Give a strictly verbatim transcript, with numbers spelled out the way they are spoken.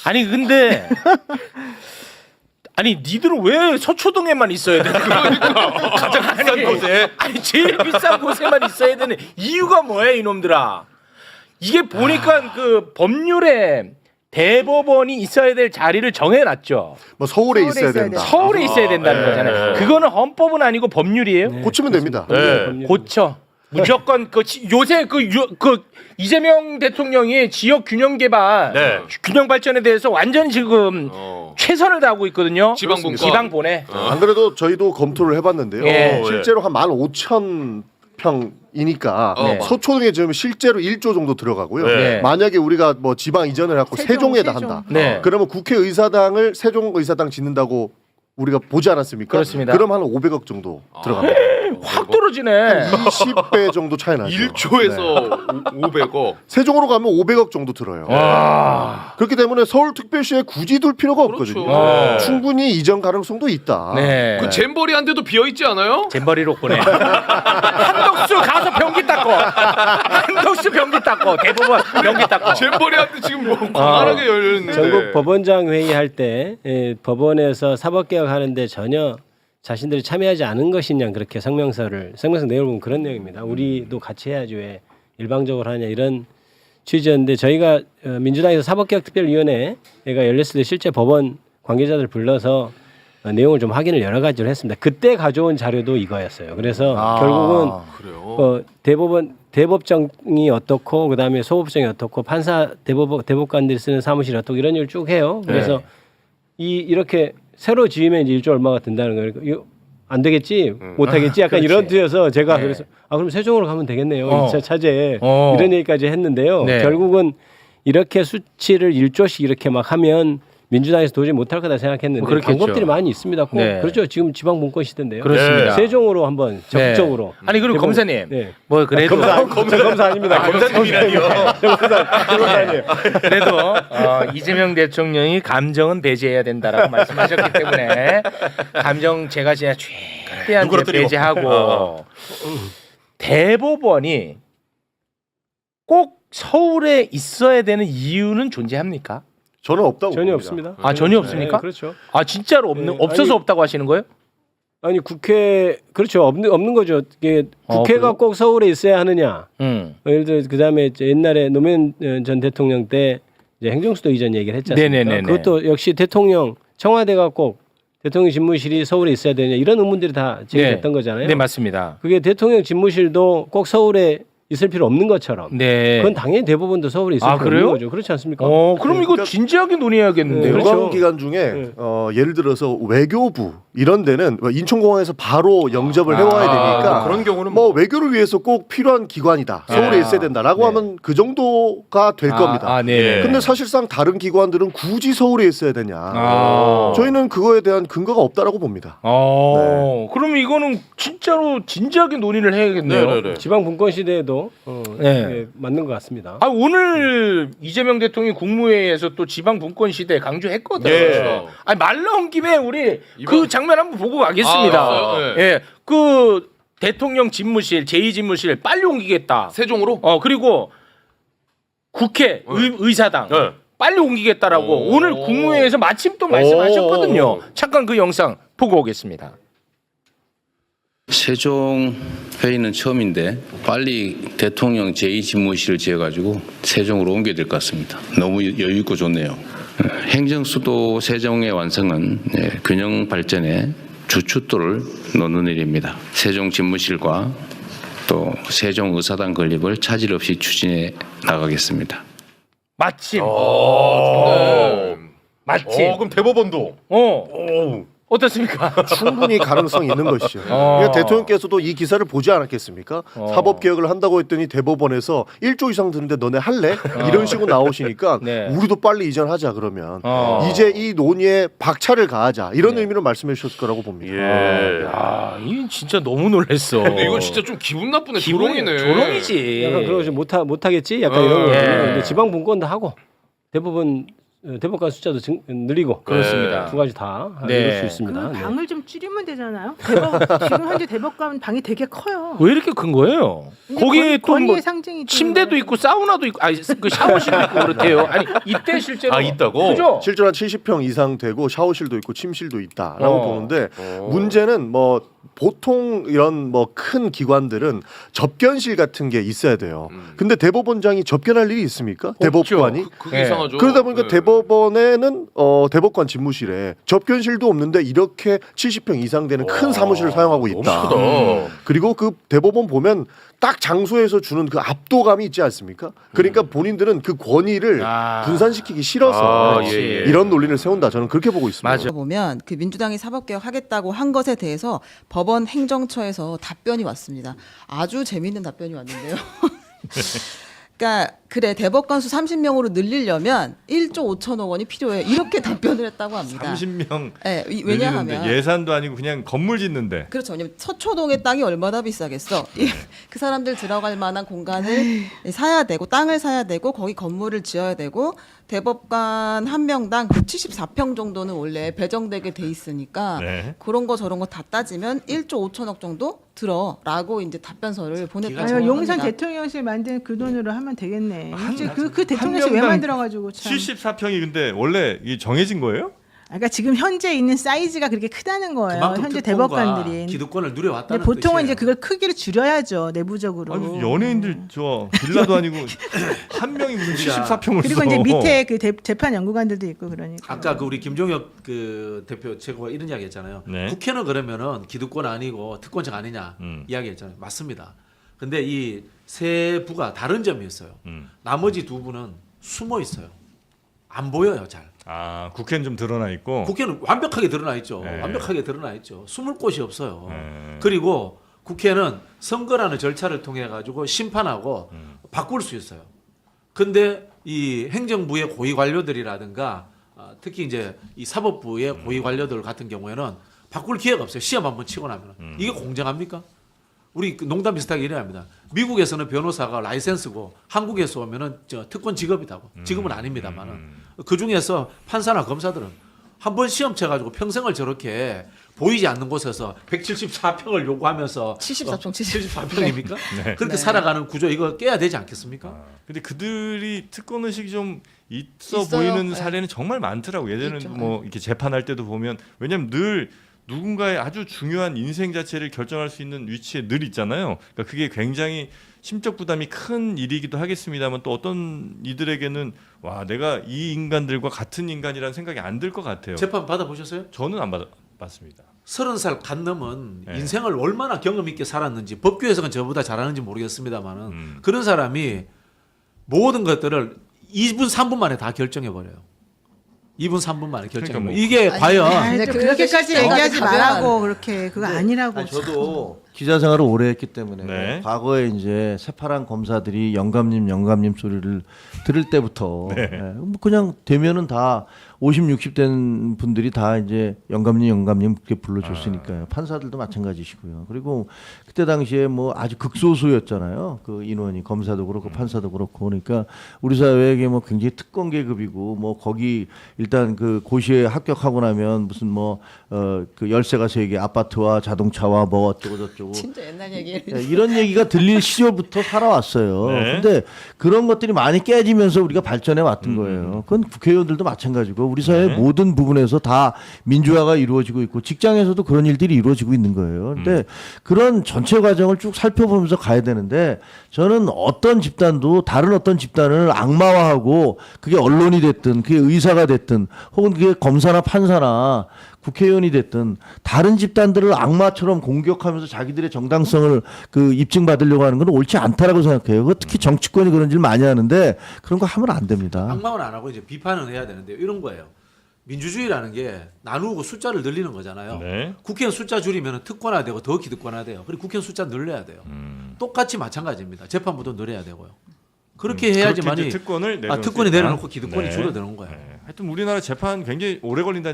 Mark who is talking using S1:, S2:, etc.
S1: 아니 근데 아니 니들은 왜 서초동에만 있어야 되는 거야?
S2: 그러니까 가장 비싼 곳에.
S1: 아니 제일 비싼 곳에만 있어야 되는 이유가 뭐야 이놈들아? 이게 보니까 아... 그 법률에 대법원이 있어야 될 자리를 정해놨죠.
S3: 뭐 서울에, 서울에 있어야, 있어야 된다.
S1: 서울에 있어야 된다는
S2: 아,
S1: 거잖아요.
S2: 네.
S1: 그거는 헌법은 아니고 법률이에요.
S3: 네. 고치면 됩니다.
S2: 네.
S1: 고쳐. 무조건 그 지, 요새 그, 유, 그 이재명 대통령이 지역 균형 개발,
S2: 네.
S1: 균형 발전에 대해서 완전 지금 어. 최선을 다하고 있거든요.
S2: 지방분권.
S1: 지방 보내.
S3: 어. 안 그래도 저희도 검토를 해봤는데요.
S1: 예.
S3: 실제로 한 만 오천 평이니까
S2: 네.
S3: 서초동에 지금 실제로 일조 정도 들어가고요.
S1: 네.
S3: 만약에 우리가 뭐 지방 이전을 해갖고 세종, 세종에다
S4: 세종.
S3: 한다.
S1: 네.
S3: 그러면 국회의사당을 세종의사당 짓는다고 우리가 보지 않았습니까?
S1: 그렇습니다.
S3: 그럼 한 오백억 정도 들어갑니다.
S1: 확 떨어지네.
S3: 이십 배 정도 차이 나죠.
S2: 일조에서
S3: 네.
S2: 오백억.
S3: 세종으로 가면 오백억 정도 들어요.
S1: 와.
S3: 그렇기 때문에 서울특별시에 굳이 둘 필요가
S2: 그렇죠.
S3: 없거든요.
S2: 네.
S3: 충분히 이전 가능성도 있다.
S1: 네.
S2: 그 잼버리 한 대도 비어 있지 않아요?
S1: 잼버리로 보내. 한덕수 가서 변기 닦고. 한덕수 변기 닦고. 대법원 변기 닦고.
S2: 잼버리 한 대 지금 뭐 광활하게 열려 있는데.
S5: 전국 법원장 회의할 때 예, 법원에서 사법개혁 하는데 전혀 자신들이 참여하지 않은 것이냐 그렇게 성명서를 성명서 내용을 보면 그런 내용입니다. 우리도 같이 해야지 왜 일방적으로 하냐 이런 취지였는데 저희가 민주당에서 사법개혁특별위원회가 열렸을 때 실제 법원 관계자들 불러서 내용을 좀 확인을 여러 가지로 했습니다. 그때 가져온 자료도 이거였어요. 그래서
S3: 아,
S5: 결국은
S2: 그래요?
S5: 어, 대법원 대법정이 어떻고 그다음에 소법정이 어떻고 판사 대법 대법관들이 쓰는 사무실이 어떻고 이런 일을 쭉 해요. 그래서
S1: 네.
S5: 이 이렇게 새로 지으면 이제 일조 얼마가 든다는 거예요. 이거 안 되겠지,
S2: 음.
S5: 못 하겠지, 약간
S1: 그렇지.
S5: 이런 뜻에서 제가
S1: 네.
S5: 그래서 아 그럼 세종으로 가면 되겠네요.
S1: 어.
S5: 이 차 차제에
S1: 어.
S5: 이런 얘기까지 했는데요.
S1: 네.
S5: 결국은 이렇게 수치를 일조씩 이렇게 막 하면 민주당에서 도저히 못할 거다 생각했는데
S1: 그렇겠죠.
S5: 방법들이 많이 있습니다. 꼭
S1: 네.
S5: 그렇죠. 지금 지방 분권 시대인데요.
S1: 그렇습니다.
S5: 세종으로 한번 적극적으로.
S1: 네. 아니 그리고
S5: 대법원-
S1: 검사님.
S5: 네.
S1: 뭐 그래도
S5: 검사, 검사, 검사 아닙니다.
S2: 검사님이라니요.
S5: 검사님.
S1: 그래도 어, 이재명 대통령이 감정은 배제해야 된다라고 말씀하셨기 때문에 감정 제가 진짜 최대한
S2: 누그러뜨리고.
S1: 배제하고
S2: 어.
S1: 대법원이 꼭 서울에 있어야 되는 이유는 존재합니까?
S3: 저는 없다고
S5: 전혀
S3: 봅니다.
S5: 없습니다.
S1: 아 전혀 없습니까?
S5: 네, 그렇죠.
S1: 아 진짜로 없는
S5: 네,
S1: 없어서
S5: 아니-
S1: 없다고 하시는 거예요?
S5: 아니 국회 그렇죠. 없는 없는 거죠. 이게
S1: 어,
S5: 국회가
S1: 그래요?
S5: 꼭 서울에 있어야 하느냐.
S1: 음.
S5: 어, 예를 들어 그다음에 이제 옛날에 노무현 전 대통령 때 이제 행정수도 이전 얘기를 했지 않습니까?
S1: 네네네네.
S5: 그것도 역시 대통령 청와대가 꼭 대통령 집무실이 서울에 있어야 되냐 이런 의문들이 다 제기됐던 거잖아요.
S1: 네 맞습니다.
S5: 그게 대통령 집무실도 꼭 서울에 있을 필요 없는 것처럼.
S1: 네.
S5: 그건 당연히 대법원도 서울에 있을
S1: 아,
S5: 필요
S1: 그래요?
S5: 없는 거죠. 그렇지 않습니까?
S1: 어 그럼
S3: 네,
S1: 이거
S3: 그러니까-
S1: 진지하게 논의해야겠는데요.
S5: 네,
S3: 관광
S5: 그렇죠.
S3: 기간 중에
S5: 네.
S3: 어, 예를 들어서 외교부 이런 데는 인천공항에서 바로 영접을 해와야 되니까
S2: 아, 그런 경우는
S3: 뭐 외교를 위해서 꼭 필요한 기관이다. 서울에
S1: 아.
S3: 있어야 된다라고
S1: 네.
S3: 하면 그 정도가 될 겁니다.
S1: 아, 네.
S3: 근데 사실상 다른 기관들은 굳이 서울에 있어야 되냐?
S1: 아.
S3: 저희는 그거에 대한 근거가 없다라고 봅니다.
S1: 어, 그러면 이거는 진짜로 진지하게 논의를 해야겠네요.
S2: 네네네.
S5: 지방 분권 시대에도 어,
S1: 네.
S5: 예, 맞는 것 같습니다.
S1: 아 오늘 이재명 대통령이 국무회의에서 또 지방 분권 시대 강조했거든요.
S2: 예.
S1: 아니 말 나온 김에 우리
S2: 이번-
S1: 그 장면 한번 보고 가겠습니다.
S2: 아, 알았어요? 네.
S1: 예, 그 대통령 집무실, 제이 집무실 빨리 옮기겠다.
S2: 세종으로?
S1: 어 그리고 국회 의, 의사당
S2: 네.
S1: 빨리 옮기겠다라고
S2: 오.
S1: 오늘 국무회의에서 마침 또 말씀하셨거든요. 잠깐 그 영상 보고 오겠습니다.
S6: 세종 회의는 처음인데 빨리 대통령 제이 집무실을 지어가지고 세종으로 옮겨야 될 것 같습니다. 너무 여유 있고 좋네요. 행정수도 세종의 완성은 균형 발전의 주춧돌을 놓는 일입니다. 세종 집무실과 또 세종 의사당 건립을 차질 없이 추진해 나가겠습니다.
S1: 마침.
S2: 어,
S1: 마침.
S2: 어, 그럼 대법원도.
S1: 어. 어떻습니까?
S3: 충분히 가능성이 있는 것이죠.
S1: 어.
S3: 그러니까 대통령께서도 이 기사를 보지 않았겠습니까?
S1: 어.
S3: 사법 개혁을 한다고 했더니 대법원에서 일조 이상 드는데 너네 할래? 이런 식으로 나오시니까
S1: 네.
S3: 우리도 빨리 이전하자 그러면
S1: 어.
S3: 이제 이 논의에 박차를 가하자 이런
S1: 네.
S3: 의미로 말씀해 주셨을 거라고 봅니다.
S2: 예.
S1: 야, 이 진짜 너무 놀랬어.
S2: 근데 이거 진짜 좀 기분 나쁘네.
S1: 기분이
S2: 조롱이네.
S1: 조롱이지.
S5: 약간 그러고 못 하, 못 하겠지. 약간
S2: 어,
S5: 이런 거.
S1: 예.
S5: 근데 지방 분권도 하고 대법원 대법관 숫자도 증, 늘리고
S1: 그렇습니다.
S5: 두 가지 다
S1: 네.
S5: 이룰 수 있습니다.
S4: 그
S5: 네.
S4: 방을 좀 줄이면 되잖아요. 대법, 지금 현재 대법관 방이 되게 커요.
S1: 왜 이렇게 큰 거예요?
S4: 근데
S1: 거기에
S4: 권-
S1: 또 뭐
S4: 권위의 상징이
S1: 침대도 있고 사우나도 있고 아니 그 샤워실도 있고 그렇대요. 아니 이때 실제로
S2: 아, 있다고?
S1: 그죠?
S3: 실제로 한 칠십 평 이상 되고 샤워실도 있고 침실도 있다라고
S1: 어.
S3: 보는데 문제는 뭐 보통 이런 뭐 큰 기관들은 접견실 같은 게 있어야 돼요. 근데 대법원장이 접견할 일이 있습니까? 대법관이?
S2: 그, 그게
S1: 네.
S2: 이상하죠.
S3: 그러다 보니까
S2: 네.
S3: 대법원에는 어, 대법관 집무실에 접견실도 없는데 이렇게 칠십 평 이상 되는 큰 사무실을 사용하고
S2: 너무
S3: 있다.
S2: 크다.
S3: 그리고 그 대법원 보면 딱 장소에서 주는 그 압도감이 있지 않습니까? 그러니까 본인들은 그 권위를
S1: 아.
S3: 분산시키기 싫어서
S2: 아, 예, 예.
S3: 이런 논리를 세운다. 저는 그렇게 보고 있습니다.
S1: 맞아.
S7: 보면 그 민주당이 사법개혁 하겠다고 한 것에 대해서 법원 행정처에서 답변이 왔습니다. 아주 재미있는 답변이 왔는데요. 그러니까 그래 대법관 수 삼십 명으로 늘리려면 일조 오천억 원이 필요해 이렇게 답변을 했다고 합니다.
S8: 삼십 명
S7: 네, 이- 왜냐하면
S8: 예산도 아니고 그냥 건물 짓는데
S7: 그렇죠. 왜냐면 서초동의 땅이 얼마나 비싸겠어. 이- 그 사람들 들어갈 만한 공간을 사야 되고 땅을 사야 되고 거기 건물을 지어야 되고 대법관 한 명당 칠십사 평 정도는 원래 배정되게 돼 있으니까
S8: 네.
S7: 그런 거 저런 거 다 따지면 일조 오천억 정도 들어라고 이제 답변서를 보냈다고
S4: 아유, 용산
S7: 합니다.
S4: 대통령실 만든 그 돈으로 하면 되겠네.
S8: 한-
S4: 이제 그, 그
S8: 한
S4: 대통령실 왜
S8: 명당
S4: 만들어가지고 참.
S8: 칠십사 평이 근데 원래 이 정해진 거예요?
S4: 아, 그러니까 지금 현재 있는 사이즈가 그렇게 크다는 거예요.
S9: 그만큼
S4: 현재
S9: 특권과
S4: 대법관들이.
S9: 기득권을
S4: 근데
S9: 누려왔다는
S4: 보통은
S9: 뜻이에요.
S4: 이제 그걸 크기를 줄여야죠 내부적으로.
S8: 아니 연예인들 저 빌라도 아니고 한 명이 무슨 칠십사 평을
S4: 그리고
S8: 써.
S4: 이제 밑에 그 대, 재판 연구관들도 있고 그러니까.
S9: 아까 그 우리 김종혁 그 대표 최고가 이런 이야기했잖아요.
S8: 네.
S9: 국회는 그러면은 기득권 아니고 특권적 아니냐
S8: 음.
S9: 이야기했잖아요. 맞습니다. 근데 이 세 부가 다른 점이 있어요.
S8: 음.
S9: 나머지 두 부는 숨어 있어요. 안 보여요, 잘.
S8: 아 국회는 좀 드러나 있고.
S9: 국회는 완벽하게 드러나 있죠.
S8: 네.
S9: 완벽하게 드러나 있죠. 숨을 곳이 없어요.
S8: 네.
S9: 그리고 국회는 선거라는 절차를 통해 가지고 심판하고
S8: 음.
S9: 바꿀 수 있어요. 근데 이 행정부의 고위 관료들이라든가 아, 특히 이제 이 사법부의
S8: 음.
S9: 고위 관료들 같은 경우에는 바꿀 기회가 없어요. 시험 한번 치고 나면
S8: 음.
S9: 이게 공정합니까? 우리 그 농담 비슷하게 이래합니다. 미국에서는 변호사가 라이센스고 한국에서 오면은 저 특권 직업이다고. 지금은 아닙니다만은 그 중에서 판사나 검사들은 한 번 시험 쳐가지고 평생을 저렇게 보이지 않는 곳에서 백칠십사 평을 요구하면서
S7: 칠십사 평,
S9: 칠십사 평입니까?
S8: 네.
S9: 그렇게
S7: 네.
S9: 살아가는 구조 이거 깨야 되지 않겠습니까?
S8: 아, 근데 그들이 특권 의식이 좀 있어
S7: 있어요.
S8: 보이는
S7: 네.
S8: 사례는 정말 많더라고. 예전에
S7: 있죠.
S8: 뭐 이렇게 재판할 때도 보면 왜냐면 늘 누군가의 아주 중요한 인생 자체를 결정할 수 있는 위치에 늘 있잖아요. 그러니까 그게 굉장히 심적 부담이 큰 일이기도 하겠습니다만 또 어떤 이들에게는 와 내가 이 인간들과 같은 인간이라는 생각이 안 들 것 같아요.
S9: 재판 받아보셨어요?
S8: 저는 안 받았습니다.
S9: 서른 살 간 넘은
S8: 네.
S9: 인생을 얼마나 경험 있게 살았는지 법규에서는 저보다 잘하는지 모르겠습니다만은
S8: 음.
S9: 그런 사람이 모든 것들을 이 분 삼 분 만에 다 결정해 버려요. 이 분 삼 분 만에 결정해
S8: 그러니까
S9: 버려요.
S8: 뭐-
S9: 이게
S7: 아니,
S9: 과연
S4: 아이,
S7: 네,
S4: 또
S7: 그
S4: 그렇게까지
S7: 시점까지
S4: 얘기하지
S7: 가면
S4: 말라고 그렇게 그거 아니라고.
S10: 아니, 저도 기자 생활을 오래 했기 때문에
S8: 네.
S10: 과거에 이제 새파란 검사들이 영감님 영감님 소리를 들을 때부터
S8: 네.
S10: 예, 뭐 그냥 되면은 다 오십, 육십 된 분들이 다 이제 영감님 영감님 그렇게 불러줬으니까요. 판사들도 마찬가지시고요. 그리고 그때 당시에 뭐 아주 극소수였잖아요. 그 인원이 검사도 그렇고 판사도 그렇고 그러니까 우리 사회에게 뭐 굉장히 특권 계급이고 뭐 거기 일단 그 고시에 합격하고 나면 무슨 뭐 어 그 열쇠가 세 개 아파트와 자동차와 뭐 어쩌고 저쩌고
S7: 진짜 옛날 얘기예요.
S10: 예, 이런 얘기가 들릴 시절부터 살아왔어요.
S8: 네.
S10: 근데 그런 것들이 많이 깨지면서 우리가 발전해 왔던 거예요. 그건 국회의원들도 마찬가지고 우리 사회
S8: 네.
S10: 모든 부분에서 다 민주화가 이루어지고 있고 직장에서도 그런 일들이 이루어지고 있는 거예요. 근데 그런 전체 과정을 쭉 살펴보면서 가야 되는데 저는 어떤 집단도 다른 어떤 집단을 악마화하고 그게 언론이 됐든 그게 의사가 됐든 혹은 그게 검사나 판사나 국회의원이 됐든 다른 집단들을 악마처럼 공격하면서 자기들의 정당성을 그 입증받으려고 하는 건 옳지 않다라고 생각해요. 그 특히 정치권이 그런 일 많이 하는데 그런 거 하면 안 됩니다.
S9: 악마는 안 하고 이제 비판은 해야 되는데 이런 거예요. 민주주의라는 게 나누고 숫자를 늘리는 거잖아요.
S8: 네.
S9: 국회는 숫자 줄이면 특권화되고 더 기득권화돼요. 그리고 국회는 숫자 늘려야 돼요.
S8: 음.
S9: 똑같이 마찬가지입니다. 재판부도 늘려야 되고요. 그렇게
S8: 음, 그렇게
S9: 해야지만이
S8: 이제 특권을
S9: 아,
S8: 내려놓을 수
S9: 특권이
S8: 있다.
S9: 내려놓고 기득권이
S8: 네.
S9: 줄어드는 거예요.
S8: 네. 하여튼 우리나라 재판 굉장히 오래 걸린다.